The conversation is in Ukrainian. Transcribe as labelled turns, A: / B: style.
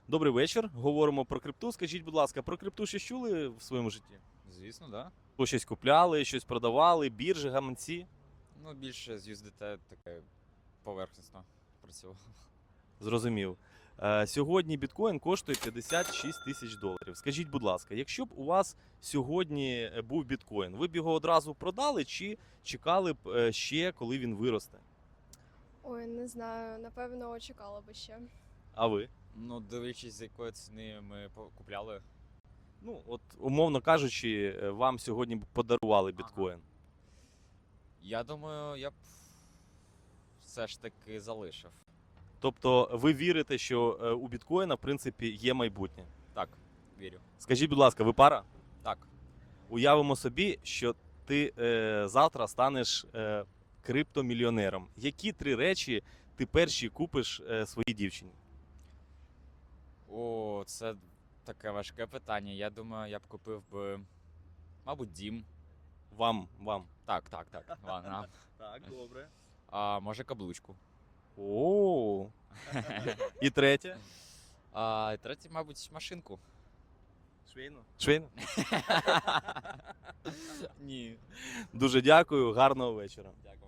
A: Добрий вечір. Говоримо про крипту. Скажіть, будь ласка, про крипту щось чули в своєму житті?
B: Звісно, да.
A: Ви щось купляли, щось продавали, біржі, гаманці?
B: Ну, більше з USDT таке поверхностно працював.
A: Зрозумів. Сьогодні біткоін коштує 56 тисяч доларів. Скажіть, будь ласка, якщо б у вас сьогодні був біткоін, ви б його одразу продали чи чекали б ще, коли він виросте?
C: Ой, не знаю, напевно, чекала би ще.
A: А ви?
B: Ну, дивлячись, з якої ціни ми купляли.
A: Ну, от, умовно кажучи, вам сьогодні б подарували біткоін.
B: Я думаю, я б все ж таки залишив.
A: Тобто ви вірите, що у біткоїна, в принципі, є майбутнє?
B: Так, вірю.
A: Скажіть, будь ласка, ви пара?
B: Так.
A: Уявимо собі, що ти завтра станеш криптомільйонером. Які 3 речі ти перші купиш своїй дівчині?
B: О, це таке важке питання. Я думаю, я б купив би, мабуть, дім.
A: Вам.
B: Так. Нам.
A: Так, добре.
B: А може каблучку.
A: О. І третє?
B: А і третє, мабуть, машинку.
A: Швейну?
B: Ні.
A: Дуже дякую, гарного вечора.
B: Дякую.